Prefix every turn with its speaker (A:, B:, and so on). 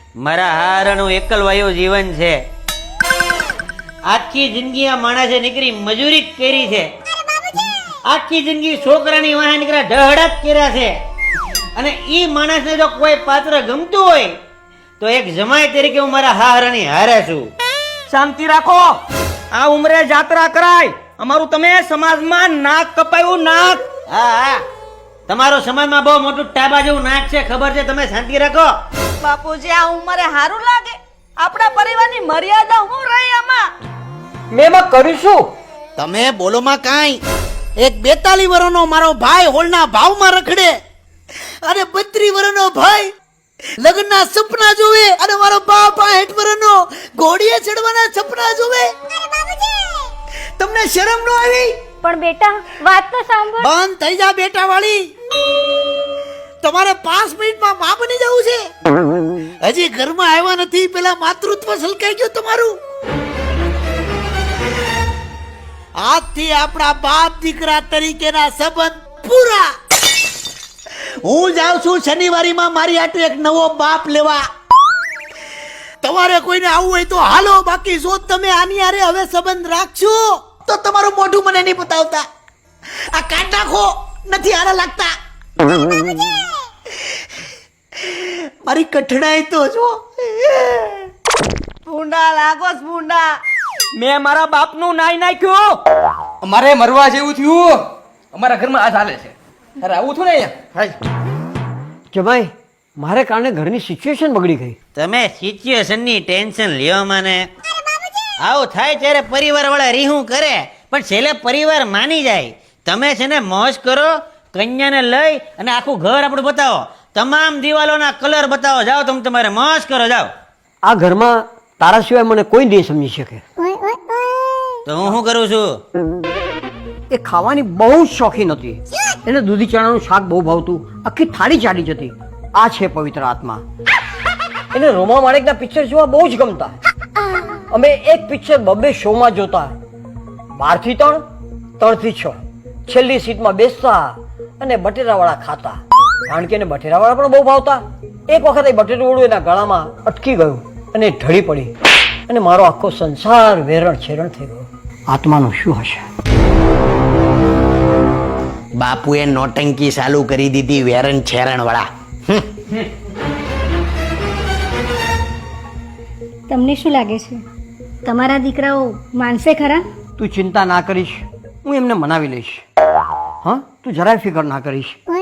A: મારા હારાનું એકલવાયું જીવન છે. આખી જિંદગી આ માણસે નીકળી મજૂરી કરી છે. આખી જિંદગી છોકરાની વાહે નીકળ્યા ઢહડા જ કર્યા છે. અને ઈ માણસને જો કોઈ પાત્ર ગમતું હોય તો એક જમાઈ તરીકે હું મારા હારાની હારે છું.
B: શાંતિ રાખો. આ ઉંમરે જાત્રા કરાય. અમારું તમે સમાજમાં નાક કપાયું નાક.
A: હા હા, તમારો સમાજમાં બહુ મોટું ટાબા જેવું નાક છે, ખબર છે. તમે શાંતિ રાખો.
C: બાપુજી આ ઉંમરે સારું લાગે? આપણા પરિવારની મર્યાદા હું રહી આમાં?
B: મેં એમાં કરીશું.
D: તમે બોલોમાં કાંઈ. એક 42 વર્ષનો મારો ભાઈ હોલના ભાવમાં રખડે અને 32 વર્ષનો ભાઈ લગ્નના સપના જોવે અને મારો બાપ 60 વર્ષનો ઘોડીએ ચડવાના સપના જોવે. તમને શરમ ન આવી?
E: પણ બેટા વાત તો સાંભળ.
D: બંધ થઈ જા બેટા વાળી. તમારે 5 મિનિટમાં માં બની જવું છે. હજી ઘરમાં આવ્યા નથી પેલા માતૃત્વ સલકાઈ ગયું તમારું. આજથી આપણા બાપ દીકરા તરીકેના સંબંધ પૂરા. હું જાઉં છું શનિવારીમાં મારી આટુ એક નવો બાપ લેવા. તમારે કોઈને આવવું હોય તો હાલો, બાકી જો તમે આની હારે હવે સંબંધ રાખશો તો તમારું મોઢું મને નહીં બતાવતા. આ કાઢ નાખો, નથી હારા લાગતા. મારી કઠણાઈ તો જો.
C: ભૂંડા લાગો છો, ભૂંડા.
B: મેં મારા બાપનું નાઈ નાખ્યું. અમારે મરવા જેવું થયું. અમારા ઘરમાં આ ચાલે છે. અરે આવું થયું ને અહીંયા.
F: કે ભાઈ મારે કારણે ઘરની સિચ્યુએશન બગડી ગઈ.
A: તમે સિચ્યુએશનની ટેન્શન લ્યો મને. આવું થાય ત્યારે પરિવાર વાળા રીહું કરે, પણ છેલ્લે પરિવાર માની જાય. તમે છે ને મોજ કરો, કન્યાને લઈ અને આખું ઘર આપણું બતાવો, તમામ દિવાલોના કલર બતાવો. જાઓ તમે તમારે મોજ કરો, જાઓ.
F: આ ઘરમાં તારા સિવાય મને કોઈ નહીં સમજી શકે.
A: તો હું શું કરું છું?
F: એ ખાવાની બહુ જ શોખીન હતી. એને દૂધી ચણાનું શાક બહુ ભાવતું. આખી થાળી ચાલી જતી. આ છે પવિત્ર આત્મા. એને રોમા માણેકના પિક્ચર જોવા બહુ જ ગમતા. અમે એક પિક્ચર 2 શોમાં જોતા. 12 થી 3, 3 થી 6. છેલ્લી સીટમાં બેસતા અને બટેરાવાળા ખાતા. કારણ કે એને બટેરાવાળા પણ બહુ ભાવતા. એક વખત એ બટેટું એના ગળામાં અટકી ગયું અને ઢળી પડી અને મારો આખો સંસાર વેરણ છેરણ થઈ ગયો. આત્માનું શું હશે?
D: બાપુએ નોટંકી ચાલુ કરી દીધી વેરણ છેરણ વાળા.
E: તમને શું લાગે છે તમારા દીકરાઓ માનશે ખરા?
F: તું ચિંતા ના કરીશ, હું એમને મનાવી લઈશ. હા, તું જરાય ફિકર ના કરીશ.